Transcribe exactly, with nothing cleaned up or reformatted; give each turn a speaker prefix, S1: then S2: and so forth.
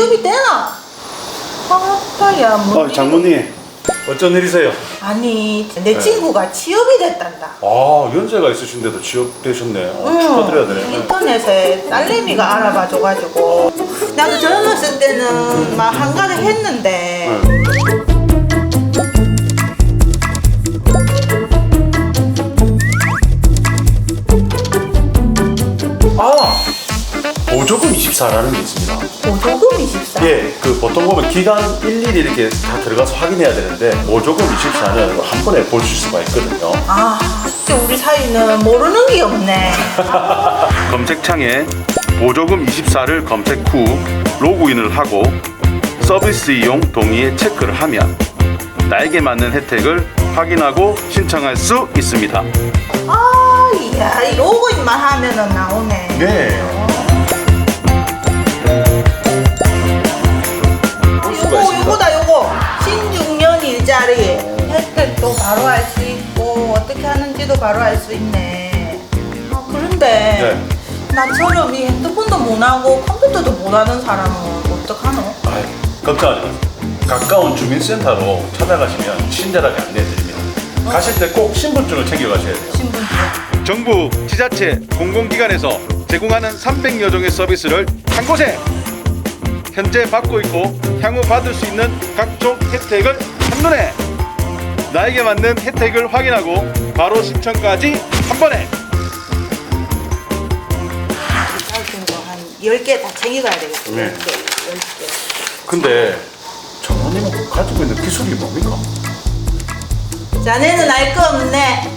S1: 취업이 되나? 아따야 뭐.
S2: 어, 장모님 어쩐 일이세요?
S1: 아니 내
S2: 네.
S1: 친구가 취업이 됐단다.
S2: 아 연세가 있으신데도 취업되셨네. 어,
S1: 응,
S2: 축하드려야 되네.
S1: 인터넷에 딸내미가 알아봐줘가지고 나도 젊었을 때는 막 한가득 했는데
S2: 네. 아 보조금 이십사라는 게 있습니다.
S1: 보조금 이십사.
S2: 예, 그 보통 보면 기간 일일이 이렇게 다 들어가서 확인해야 되는데 보조금 이십사는 한 번에 보실 수가 있거든요.
S1: 아 진짜 우리 사이는 모르는 게 없네.
S2: 검색창에 보조금 이십사를 검색 후 로그인을 하고 서비스 이용 동의에 체크를 하면 나에게 맞는 혜택을 확인하고 신청할 수 있습니다.
S1: 아 이야 이 로그인만 하면은 나오네.
S2: 네.
S1: 요거 요거다 요거 십육 년 일자리 혜택도 바로 알 수 있고 어떻게 하는지도 바로 알 수 있네. 아 그런데
S2: 네.
S1: 나처럼 이 핸드폰도 못하고 컴퓨터도 못하는 사람은 어떡하노?
S2: 아유, 걱정하지 마세요. 가까운 주민센터로 찾아가시면 친절하게 안내해드립니다. 가실 때 꼭 신분증을 챙겨가셔야 돼요.
S1: 신분증.
S2: 정부, 지자체, 공공기관에서 제공하는 삼백여 종의 서비스를 한 곳에 현재 받고 있고 향후 받을 수 있는 각종 혜택을 한눈에 나에게 맞는 혜택을 확인하고 바로 신청까지 한 번에.
S1: 같은 거 한 열 개 다 챙겨가야 되겠어.
S2: 네.
S1: 열 개, 열 개.
S2: 근데 장모님은 가지고 있는 기술이 뭡니까?
S1: 자네는 알 거 없네.